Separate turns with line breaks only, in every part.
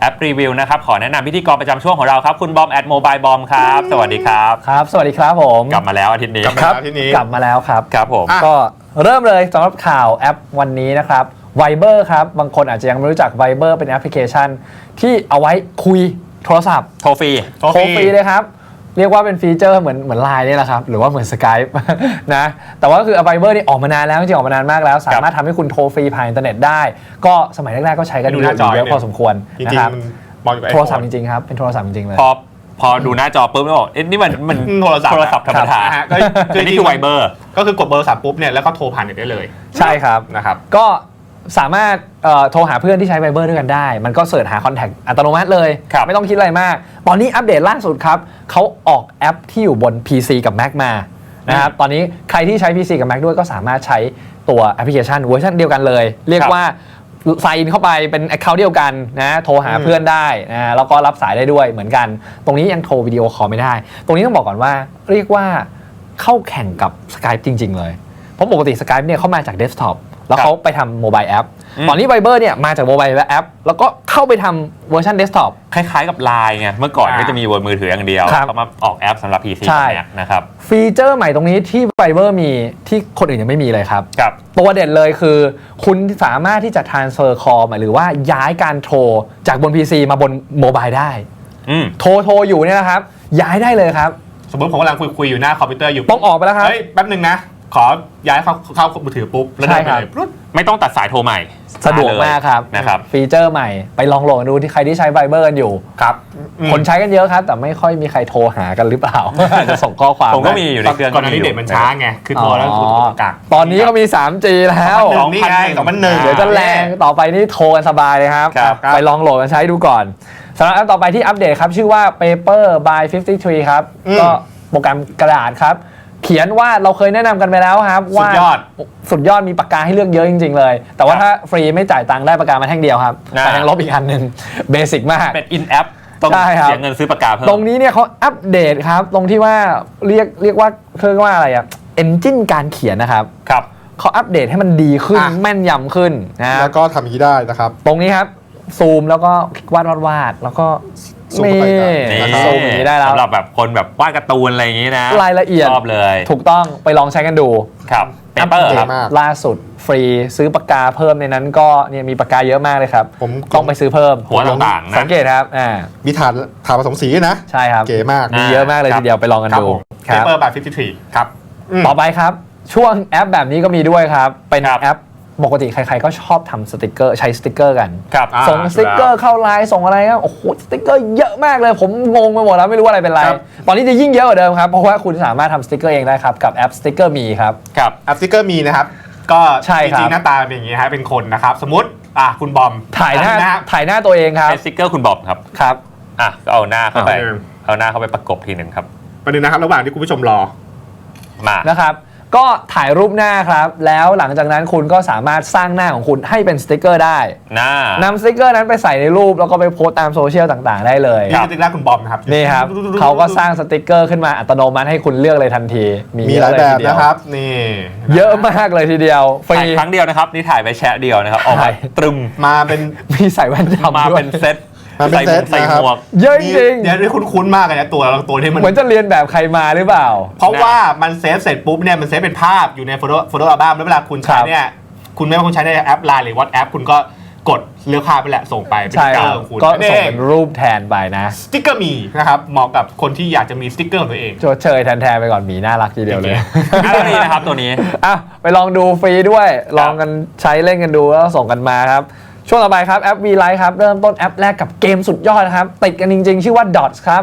แอปรีวิวนะครับขอแนะนำพิธีกรประจำช่วงของเราครับคุณบอมแอดโมบายบอมครับสวัสดีครับ
ครับสวัสดีครับผม
กลับมาแล้วอาทิตย์นี้
กลับมาแล้วครับ
ครับผม
ก็เริ่มเลยสำหรับข่าวแอปวันนี้นะครับ Viber ครับบางคนอาจจะยังไม่รู้จัก Viber เป็นแอปพลิเคชันที่เอาไว้คุยโทรศัพท์
โทรฟรี
เลยครับเรียกว่าเป็นฟีเจอร์เหมือน Line นี่แหละครับหรือว่าเหมือน Skype นะแต่ว่าคือ Viber นี่ออกมานานแล้วจริงๆออกมานานมากแล้วสามารถทำให้คุณโทรฟรีผ่านอินเทอร์เน็ตได้ก็สมัยแรกๆก็ใช้กันอยู่เยอะพอสมควรนะครับโทรศัพท์จริงๆครับเป็นโทรศัพท์จริงๆเลย
พอดูหน้าจอปุ๊บแล้วบอกเอ๊ะนี่มันโทรศัพท์ธรรมดาอันนี้คือ Viber
ก็คือกดเบอร์โทรศัพท์ปุ๊บเนี่ยแล้วก็โทรผ่านเน็ตได้เลย
ใช่ครับ
นะครับ
ก็สามารถโทรหาเพื่อนที่ใช้ Viber ด้วยกันได้มันก็เสิร์ชหาคอนแทคอัตโนมัติเลยไม่ต้องคิดอะไรมากตอนนี้อัปเดตล่าสุดครับเขาออกแอปที่อยู่บน PC กับ Mac มานะครับตอนนี้ใครที่ใช้ PC กับ Mac ด้วยก็สามารถใช้ตัวแอปพลิเคชันเวอร์ชันเดียวกันเลยเรียกว่าไซน์เข้าไปเป็น account เดียวกันนะโทรหาเพื่อนได้นะแล้วก็รับสายได้ด้วยเหมือนกันตรงนี้ยังโทรวิดีโอคอลไม่ได้ตรงนี้ต้องบอกก่อนว่าเรียกว่าเข้าแข่งกับ Skype จริงๆเลยเพราะปกติ Skype เนี่ยเข้ามาจากเดสก์ท็อปแล้วเขาไปทำโมบายแอปตอนนี้ Viber เนี่ยมาจากโมบายแอปแล้วก็เข้าไปทำเวอร์ชันเดสก์ท็อป
คล้ายๆกับ Line ไงเมื่อก่อนก็จะมีบนมือถืออย่างเดียวเขามาออกแอปสำหรับ PC นะครับ
ฟีเจอร์ใหม่ตรงนี้ที่ Viber มีที่คนอื่นยังไม่มีเลยครับ
ครับ
ตัวเด่นเลยคือคุณสามารถที่จะ transfer call หรือว่าย้ายการโทรจากบน PC มาบนโมบายได้โทรอยู่เนี่ยนะครับย้ายได้เลยครับ
สมมติผมกำลังคุยอยู่หน้าคอมพิวเตอร์อยู่
ต้องออกไปแล้วครับ
เฮ้ยแป๊บนึงนะขอย้ายเข้ามือถือปุ๊บแล้วได้เลย
ไม่ต้องตัดสายโทรใหม่
สะดวกมากครับ
นะครับ
ฟีเจอร์ใหม่ไปลองโหลดดูที่ใครที่ใช้ Viber กันอยู่
ครับ
คนใช้กันเยอะครับแต่ไม่ค่อยมีใครโทรหากันหรือเปล่าจะส่งข้อความ
ผมก็มีอยู่ในเครื่อง
ก่อนหน้านี้เด็ดมันช้าไงคือโทรแล้วกัก
ตอนนี้ก็มี 3G แล้ว
2001
เดี๋ยวจะแรงต่อไปนี่โทรกันสบายเลยครับไปลองโหลดกันใช้ดูก่อนสำหรับแอปต่อไปที่อัปเดตครับชื่อว่า Paper by 53ครับก็โปรแกรมกระดาษครับเขียนว่าเราเคยแนะนำกันไปแล้วครับว่าสุดยอดมีปากกาให้เลือกเยอะจริงๆเลยแต่ว่าถ้าฟรีไม่จ่ายตังค์ได้ปากกามาแท่งเดียวครับแต่แท่งลบอีกอันหนึ่งเบสิกมาก
เป็น in app ต้องเสียเงินซื้อปากกาเพิ่ม
ตรงนี้เนี่ยเขาอัปเดตครับตรงที่ว่าเรียกว่าเรียกว่าอะไรอ่ะเอนจินการเขียนนะครับเขาอัปเดตให้มันดีขึ้นแม่นยำขึ้นนะ
แล้วก็ทำอย่างนี้ได้นะครับ
ตรงนี้ครับซูมแล้วก็วาดแล้วก็
นี่
ซูมอย่างนี้ได้แล้ว
สำหรับแบบคนแบบวาดการ์ตูนอะไรอย่างนี้นะ
รายละเอียด
ชอบเลย
ถูกต้องไปลองใช้กันดู
ครับ
เปเปอร์ครับล่าสุดฟรีซื้อปากกาเพิ่มในนั้นก็เนี่ยมีปากกาเยอะมากเลยครับ
ผม
ต้องไปซื้อเพิ่ม
หัวต่างๆนะ
สังเกตครับ
มีฐานผสมสีนะ
ใช่ครับ
เก๋มาก
มีเยอะมากเลยทีเดียวไปลองกันดู
ครับ Paper by 53ครับ
ต่อไปครับช่วงแอปแบบนี้ก็มีด้วยครับเป็นแอปปกติใครๆก็ชอบทำสติกเกอร์ใช้สติกเกอร์กันส่งสติกเกอร์เข้าไลน์ส่งอะไรครับโอ้โหสติกเกอร์เยอะมากเลยผมงงไปหมดแล้วไม่รู้อะไรเป็นไรตอนนี้จะยิ่งเยอะกว่าเดิมครับเพราะว่าคุณสามารถทำสติกเกอร์เองได้ครับกับแอปสติกเกอร์มีครับ
แอปสติกเกอร์มีนะครับก็จริงๆหน้าตาเป็นอย่างนี้ฮะเป็นคนนะครับสมมติคุณบอม
ถ่ายหน้าตัวเองครับ
เป็นสติกเกอร์คุณบอมครับก็เอาหน้าเข้าไปประกบทีหนึ่งครับ
ประเด็นนะครับระหว่างที่คุณผู้ชมรอ
มา
นะครับก็ถ่ายรูปหน้าครับแล้วหลังจากนั้นคุณก็สามารถสร้างหน้าของคุณให้เป็นสติกเกอร์ได้นำสติกเกอร์นั้นไปใส่ในรูปแล้วก็ไปโพสต์ตามโซเชียลต่างๆได้เลย
นี่สติกเกอร์คุณบอมนะครับ
นี่ครับเขาก็สร้างสติกเกอร์ขึ้นมาอัตโนมัติให้คุณเลือกเลยทันที
มีหลายแบบนะครับ
นี่
เยอะมากเลยทีเดียว
ฟรีครั้งเดียวนะครับนี่ถ่ายไปแชะเดียวนะครับออกมาตรึม
มาเป็น
มีใส่แว่นดำ
มาเป็นเซต
ใส่หมวก
เยอะจริง
เดี๋ยวคุ้นๆมากเลยนะตัวที่มัน
เหมือนจะเรียนแบบใครมาหรือเปล่า
เพราะว่ามันเซฟเสร็จปุ๊บเนี่ยมันเซฟเป็นภาพอยู่ในโฟโต้อัลบั้มแล้วเวลาคุณใช้เนี่ยคุณไม่ว่าคุณใช้ในแอป Line หรือ WhatsApp คุณก็กดเลือกภาพไปแหละส่งไปเป็นสติ๊กเกอร์ของคุณ
ก็ส่งเป็นรูปแทนไปนะ
สติ๊กเกอร์มีนะครับเหมาะกับคนที่อยากจะมีสติ๊กเกอร์ของตัวเอง
โจเชยแทนไปก่อนหมีน่ารักทีเดียวเลย
ตัวนี้นะครับตัวนี้
ไปลองดูฟรีด้วยลองกันใช้เล่นกันดูแล้วส่งกันมาครับช่วงต่อไปครับแอป V-Lite ครับเริ่มต้นแอปแรกกับเกมสุดยอดนะครับติดกันจริงๆชื่อว่า Dots ครับ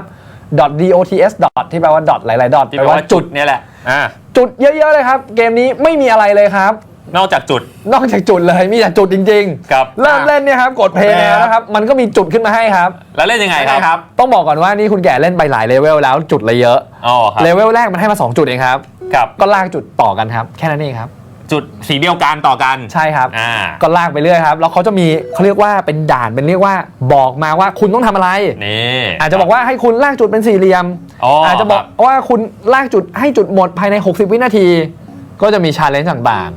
DOTS ที่แปลว่า dot หลายๆ dot
แปลว่าจุดเนี่ยแหละ
จุดเยอะๆเลยครับเกมนี้ไม่มีอะไรเลยครับ
นอกจากจุด
เลยมีแต่จุดจริงๆเริ่มเล่นเนี่ยครับกดเพลย์แล้วนะครับมันก็มีจุดขึ้นมาให้ครับ
แล้วเล่นยังไงครับ
ต้องบอกก่อนว่านี่คุณแก่เล่นไปหลายเลเวลแล้วจุดเลยเยอะเลเวลแรกมันให้มา2จุดเองครับก็ลากจุดต่อกันครับแค่นั้นเองครับ
จุดสีเดียวกันต่อกัน
ใช่ครับก็ลากไปเรื่อยครับแล้วเขาจะมีเขาเรียกว่าเป็นด่านเป็นเรียกว่าบอกมาว่าคุณต้องทำอะไร
นี่
อาจจะบอกว่าให้คุณลากจุดเป็นสี่เหลี่ยมอาจจะบอกว่าคุณลากจุดให้จุดหมดภายใน60 วินาทีก็จะมีชาเลนจ์ต่างๆ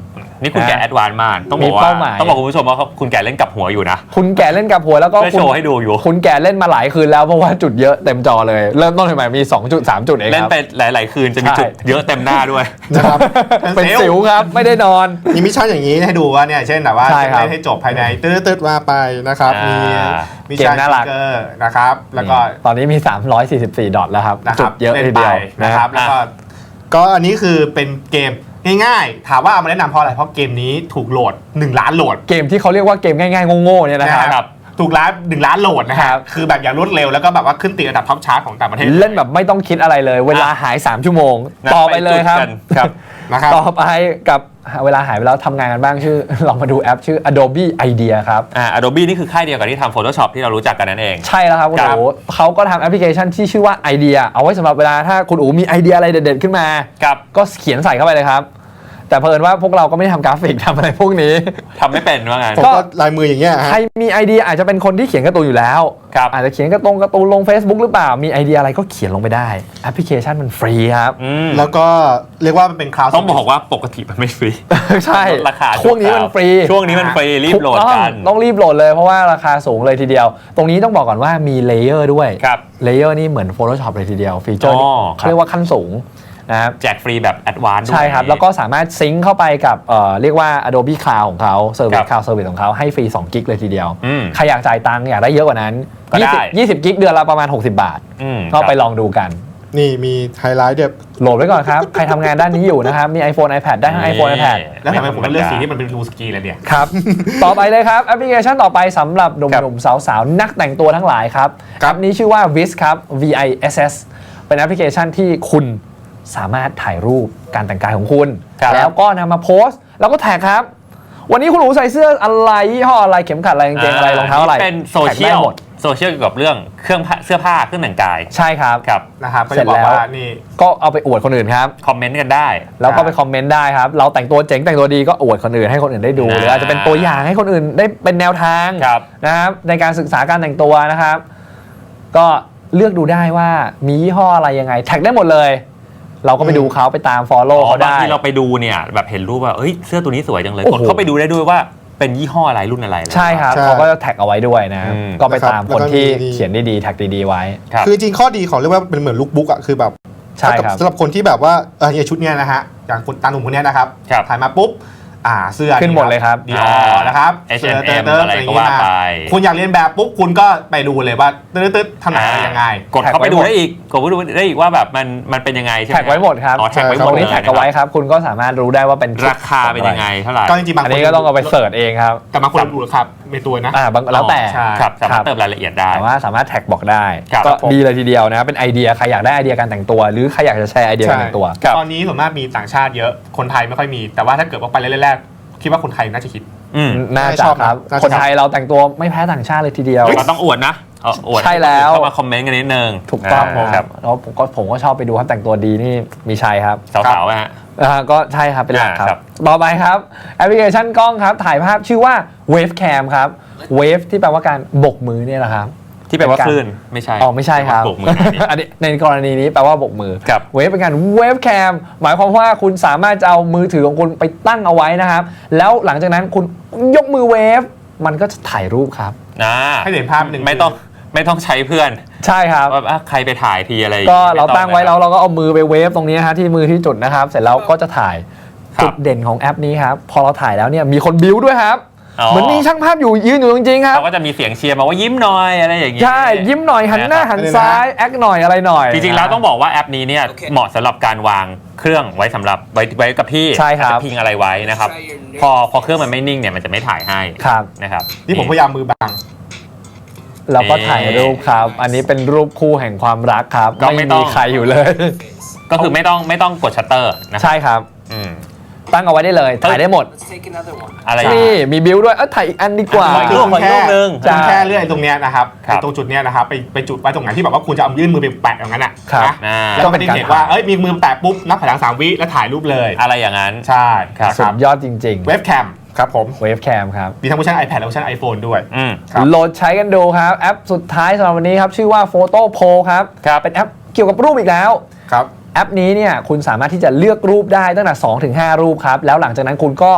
นี่คุณแก่แอดวานซ์มากต้องบอก
มี
ว่า
เป้าหมาย
ต้องบอกคุณผู้ชมว่าคุณแก่เล่นกับหัวอยู่นะ
คุณแก่เล่นกับหัวแล้วก็
เพื่อโชว์ให้ดูอยู่
คุณแก่เล่นมาหลายคืนแล้วเพราะว่าจุดเยอะเต็มจอเลยเริ่มต้นใหม่ๆมี2จุด3จุดเอง
เล่น
ครับ
ไปหลาย ๆ คืนจะมีจุดเยอะเต็มหน้าด้วย
นะครับ
เป็นสิวครับไม่ได้นอน
มีมิชชั่นอย่างนี้ให้ดูว่าเนี่ยเช่นแบบว่า
ใช่ครับ
เล่นให้จบภายในตืดๆมาไปนะครับ มีมิชชั่น
เกมน่ารัก
สติ๊กเกอร์นะครับแล้วก็
ตอนนี้มี344ดอทแล้วครับ
นะค
จุ
รับ
ดเยอะ
ล่น
ที
ไป
เดียว
นะครับแล้วก็อันนี้คือเป็นเกมง่ายๆถามว่าเอามาแนะนำเพราะอะไรเพราะเกมนี้ถูกโหลด1 ล้านโหลด
เกมที่เขาเรียกว่าเกมง่ายๆโง่ๆเนี่ยนะครับ
ถูก1 ล้านโหลดนะค
ครั
รับบ คือแบบอย่างรวดเร็วแล้วก็แบบว่าขึ้นติดอันดับท็อปชาร์ตของต่างประเทศ
เล่นแบบไม่ต้องคิดอะไรเลย เวลาหาย3ชั่วโมง
นะ
ต่อไปเลยครับ
ไปจุดกันครับ
นะครับ
ต่อไปกับเวลาหายไปแล้วทำงานกันบ้างชื่อ ลองมาดูแอปชื่อ Adobe Idea ครับ
Adobe นี่คือค่ายเดียวกับที่ทำ Photoshop ที่เรารู้จักกันนั่นเอง
ใช่แล้วครับคุณ
ครับ
อู๋เขาก็ทำแอปพลิเคชันที่ชื่อว่า Idea เอาไว้สำหรับเวลาถ้าคุณอู๋มีไอเดียอะไรเด็ดๆขึ้นมา
ครับ
ก็เขียนใส่เข้าไปเลยครับ แต่เผอิญว่าพวกเราก็ไม่ได้ทำกราฟิกทำอะไรพวกนี้
ทำไม่เป็นว่างั้น
ผมก็ลายมืออย่างเงี้ยฮะ
ใครมีไอเดียอาจจะเป็นคนที่เขียนการ์ตูนอยู่แล้ว
ครับ
อาจจะเขียนการ์ตูนลง Facebook หรือเปล่ามีไอเดียอะไรก็เขียนลงไปได้แอปพลิเคชันมันฟรีครับ
แล้วก็เรียกว่ามันเป็นคลาวด์
ต้องบอกว่าปกติมันไม่ฟรี
ใช่
ลดราคา
ช่วงนี้มันฟรี
ช่วงนี้มันฟรีรีบโหลดกัน
ต้องรีบโหลดเลยเพราะว่าราคาสูงเลยทีเดียว ตรงนี้ต้องบอกก่อนว่ามีเลเยอร์ด้วย
ครับ
เลเยอร์นี่เหมือน Photoshop เลยทีเดียวฟีเจอร์นี่
อ๋อ
เขาเรียกว่าขั้นสูงนะครับ
แจกฟรีแบบแอดวานซ์ด้วย
ใช่ครับ แล้วก็สามารถซิงค์เข้าไปกับเรียกว่า Adobe Cloud ของเขา
ครั
Service
บ
Cloud Service ของเขาให้ฟรี2กิกเลยทีเดียว
อืม
ใครอยากจ่ายตังค์อยากได้เยอะกว่านั้น
ก็ได้
20กิกเดือนละประมาณ 60 บาท ก็ไปลองดูกัน
นี่มีไฮไลท์เด็บ
โหลดไว้ก่อนครับ ใครทำงานด้านนี้อยู่นะครับ มี iPhone iPad ได้ทั้ง iPhone iPad
แล้วทำไมผมต้องเลือกสีที่มันเป็นรูสกีเลยเนี่ย
ครับ ต่อไปเลยครับ แอปพลิเคชันต่อไปสำหรับหนุ่มๆสาวๆ นักแต่งตัวทั้งหลายครับแอปนี้ชื่อว่า Viss ครับ VISS เป็นแอปพลิเคชันที่คุณสามารถถ่ายรูปการแต่งกายของคุณ
ครับ
แล้วก็นำมาโพสต์ แล้วก็แท็กครับ วันนี้คุณหนูใส่เสื้ออะไรยี่ห้ออะไรเข็มขัดอะไรกางเกงอะไรรองเท้าอะไร
นี่เป็นโซเชีย
แท็ก
ล
ได้หมด
โซเชียลเกี่ยวกับเรื่องเครื่องเสื้อผ้าเครื่องแต่งกาย
ใช่ครับ
ครับ
นะครับก็
เสร็
จะ
จ
บอก
แล้ว
ว่านี่
ก็เอาไปอวดคนอื่นครับ
คอมเมนต์กันได้
แล้วก็ไปคอมเมนต์ได้ครับ เราแต่งตัวเจ๋งแต่งตัวดีก็อวดคนอื่นให้คนอื่นได้ดู หรืออาจจะเป็นตัวอย่างให้คนอื่นได้เป็นแนวทาง
ครับ
นะครับในการศึกษาการแต่งตัวนะครับ ก็เลือกดูได้ว่ามียี่ห้ออะไรยังไงแท็กได้หมดเลย เราก็ไปดูเขาไปตาม follow เขา
บาง
ได้
ทีเราไปดูเนี่ยแบบเห็นรูปว่าเอ้ยเสื้อตัวนี้สวยจังเลย
โอ้
ก
โห
ดเข้าไปดูได้ด้วยว่าเป็นยี่ห้ออะไรรุ่นอะไรเลย
ใช่ครับ
ใช่
เขาก็จะแท็กเอาไว้ด้วยนะ
อืม
ก็ไปตามคนที่
แล้วก็มี
เขียนดีๆแท็กดีๆไว้
ครับ
คือจริงข้อดีของเรียกว่าเป็นเหมือนลุคบุ๊กอ่ะคือแบบ
ใช่ครับ
สำหรับคนที่แบบว่า
เนี่ยชุดเนี้ยนะฮะอย่างคุณตาหนุ่มคนเนี้ยนะครับ
ครับ
ถ่ายมาปุ๊บเสื้อ
ขึ้นหมดเลยครับ
ดีออนะครับ
H&M อะไรก็ว่าไป
คุณอยากเรียนแบบปุ๊บคุณก็ไปดูเลยว่าตึ๊ดๆทำอะไรยังไง
กดเข้าไปดูได้อีกกดเข้าไปดูได้อีกว่าแบบมันเป็นยังไงใช่ไหม
แท็กไว้หมดครับ
อ๋อแท็กไว้ห
ต
ม
ร
ด
งนี้
เลย
แท็กเอาไว้ครับ คุณก็สามารถรู้ได้ว่าเป็นชุด
ราคาเป็นยังไงเท่าไหร่
ก็จริงๆบาง
อัน
คน
นี้ก็ต้องเอาไปเสิร์ชเองครับ
แต่บางคนดูครับในตัวนะ
บางแล้วแต่
ใช่
ครับสามาร
ครั
ถ
บ
เติมรายละเอียดได้
แต่ว่าสามารถแท็กบอกได้
ครับ
ก็
ผม
ดีเลยทีเดียวนะเป็นไอเดียใครอยากได้ไอเดียการแต่งตัว หรือใครอยากจะแชร์ไอเดียการแต่งตัว
ครับ
ตอนนี้ส่วนมากมีต่างชาติเยอะคนไทยไม่ค่อยมี แต่ว่าถ้าเกิดว่าไปแรกๆคิดว่าคนไทยน่าจะคิด
อืม
น่าจะครับ
น่าจะ
คนไทยเราแต่งตัวไม่แพ้ต่างชาติเลยทีเดียว
เราต้องอวดนะอวด
ใช่แล้ว
เข้ามาคอมเมนต์กันนิดนึง
ถูกต้อง
ครับ
แล้วผมก็ชอบไปดูครับแต่งตัวดีนี่มีชัยครับ
สาวๆอะฮะ
ก็ใช่ครับเป็นหลักค
ครั
รับ บ ต่อไปครับแอปพลิเคชันกล้องครับถ่ายภาพชื่อว่า Wavecam ครับ Wave ที่แปลว่าการบกมือเนี่ยแหละครับ
ที่แปลว่าคลื่นไม่ใช่
อ๋อไม่ใช่ครับ
โบกมือแบบนี้
อันนี้ในกรณีนี้แปลว่าบกมือ
ครับ
เวฟเป็นการเวฟแคมหมายความว่าคุณสามารถจะเอามือถือของคุณไปตั้งเอาไว้นะครับ แล้วหลังจากนั้นคุณยกมือเวฟมันก็จะถ่ายรูปครับ
ให้เห็นภาพหนึ่ง
ไม่ต้องใช้เพื่อน
ใช่ครับ
ว่าใครไปถ่ายทีอะไร
ก็เราตั้งไว้
ม่
แล้วเราก็เอามือไปเวฟตรงนี้ฮะที่มือที่จุดนะครับ เสร็จแล้วก็จะถ่าย
ครับ
จุดเด่นของแอปนี้ครับพอเราถ่ายแล้วเนี่ยมีคนบิ้วด้วยครับ
อ๋อ
เหมือนมีช่างภาพอยู่ยืนอยู่จริงๆครับ
เขาก็จะมีเสียงเชียร์มาว่ายิ้มหน่อยอะไรอย่างงี้
ใช่ยิ้มหน่อยหันหน้าหันซ้ายแอคหน่อยอะไรหน่อย
จริงๆแล้วต้องบอกว่าแอปนี้เนี่ยเหมาะสำหรับการวางเครื่องไว้สำหรับไว้กับที่
ใช่ครับ
จะพิงอะไรไว้นะครับพอเครื่องมันไม่นิ่งเนี่ยมันจะไม่ถ่ายให้
ครับ
นะครับ
นี่ผมพยายามมือบัง
แล้วก็ถ่ายรูปครับ อันนี้เป็นรูปคู่แห่งความรักครับ
ก็ไม่
ไม่
ต้
มี
อง
ใครอยู่เลย
ก็คือไม่ต้องกดชัตเตอร์นะ
ใช่ครับ
อืม
ตั้งเอาไว้ได้เลย ถ่ายได้หมด
Let's take another one.
อะไรอย่าง
นี่
งี้
มีบิวด้วยถ่ายอีกอันดีกว่า
ขออีกรูป
คุณแค่
นึง
คุณแค่เลื่อนตรงเนี้ยนะครับ
ครับ
ตรงจุดเนี้ยนะครับไปจุดไว้ตรงไหนที่แบบว่าคุณจะเอายื่นมือไปแปะอย่างนั้นอ่ะ
ครับ
นะแล้วก็ไม่ได้เห็นว่ามีมือแปะปุ๊บนับถอยหลัง3 วิแล้วถ่ายรูปเลย
อะไรอย่างนั้น
ใช่
ครับ
นะ
สุดยอดจริง
เว็บแคมครับผม
ๆ เวฟแคมครับ
มีทั้งเวอร์ชัน iPad และเวอร์ชัน iPhone ด้วย
อืม
ครับ
โหลดใช้กันดูครับ แอปสุดท้ายสำหรับวันนี้ครับ ชื่อว่า Photo Pro ครับ
ครับ
เป็นแอปเกี่ยวกับรูปอีกแล้ว
ครับ
แอปนี้เนี่ยคุณสามารถที่จะเลือกรูปได้ตั้งแต่2 ถึง 5 รูปครับ แล้วหลังจากนั้นคุณก็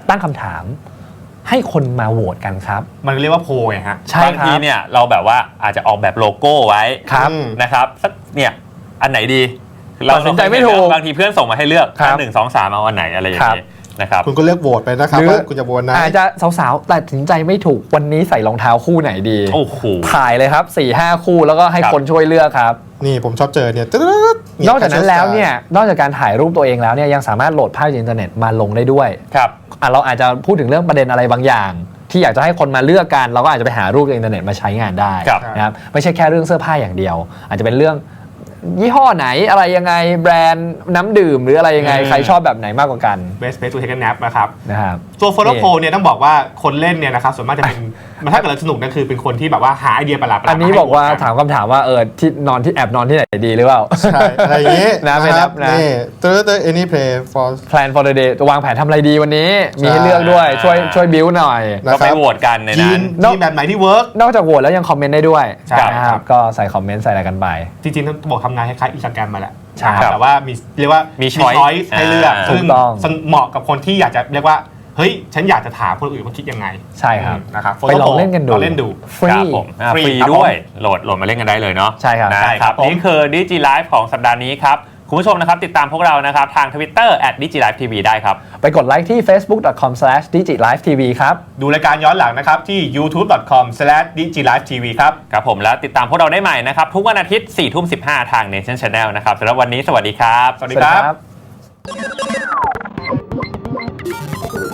ตั้งคำถามให้คนมาโหวตกันครับ
มันเรียกว่าโพลไงฮะ
ใช่
บาง
ครั
ที
บ
เนี่ยเราแบบว่าอาจจะออกแบบโลโก้ไว้
ครับ
นะครับสักเนี่ยอันไหนดี
ตัดสินใจไม่ถูก
บางทีเพื่อนส่งมาให้เลือก
ครับ
1 2 3เอาอันไหนอะไรอย่างนี้นะครับ
คุณก็เลือกโหวตไปนะครับ
หรือ
ว่าคุณจะโหวตไหน
อาจจะสาวๆตัดสินใจไม่ถูกวันนี้ใส่รองเท้าคู่ไหนดี
โอ้โห
ถ่ายเลยครับ 4-5 คู่แล้วก็ให้
ครับ
คนช่วยเลือกครับ
นี่ผมชอบเจอเนี่ย
นอกจากนั้นแล้วเนี่ยนอกจากการถ่ายรูปตัวเองแล้วเนี่ยยังสามารถโหลดภาพจากอินเทอร์เน็ตมาลงได้ด้วย
ครับ
เราอาจจะพูดถึงเรื่องประเด็นอะไรบางอย่าง ที่อยากจะให้คนมาเลือกกันเราก็อาจจะไปหารูปจากอินเทอร์เน็ตมาใช้งานได้
ครับ
นะครับไม่ใช่แค่เรื่องเสื้อผ้าอย่างเดียว อาจจะเป็นเรื่องยี่ห้อไหนอะไรยังไงแบรนด์น้ำดื่มหรืออะไรยังไงใครชอบแบบไหนมากกว่ากัน
best place to take a nap นะครับ
นะครับ
ตัวโฟโต้โพลเนี่ยต้องบอกว่าคนเล่นเนี่ยนะครับส่วนมากจะเป็น ถ้าเกิดเราสนุกนั่นคือเป็นคนที่แบบว่าหาไอเดียประหลาดๆ
อันนี้
ให้
บอกว่า
โหตน
ถามคำถามว่าที่นอนที่แอบนอนที่ไหนดีหรือเปล่า
ใช่อะไรอย่างนี้
นะไม่นับนะ
นี่any play for
plan for the day วางแผนทำอะไรดีวันนี้ มีให้
ใช่
เลือกด้วยช่วยบิวหน่อย
นะ
ก็
ค
ไป
รับ
โหวตกันใน
ยี
นั้น
นทีมแบบไหนที่เวิร์ก
นอกจากโหวตแล้วยังคอมเมนต์ได้ด้วย
ใช่
นะครับ ก็ใส่คอมเมนต์ใส่อะไรกันไป
จริงๆต้องบอกทำงานคล้ายๆอินสตาแกรมมาแหละ
ใช่
แต่ว่ามีเรียกว่า
มี
มี
choice
choice ให้เลือก
ถูก
ซึ่ง
ต้อง
เหมาะกับคนที่อยากจะเรียกว่าเฮ้ยฉันอยากจะถามคนอื่นว่าคิดยังไง
ใช่ครับ
นะครับ
ไปลองเล่นกันดู
ลองเล่นดู
ฟรี
ครับผมฟรี
ครับ
ด้วยโหลดมาเล่นกันได้เลยเนาะ
ใช่ครับ
นะ
ใช่
ค
ครั
รับบ
ผม
นี่คือ Digi Live ของสัปดาห์นี้ครับ คุณผู้ชมนะครับติดตามพวกเรานะครับทาง Twitter @digilivetv ได้ครับ
ไปกดไลค์ที่ facebook.com/digilivetv ครับ
ดูรายการย้อนหลังนะครับที่ youtube.com/digilivetv ครับ
ครับผมแล้วติดตามพวกเราได้ใหม่นะครับ ทุกวันอาทิตย์ 4:15 ทาง Nation Channel นะครับสำหรับวันนี้สวัสดีครับ
สวัสดีครับ
สวัสดีครับ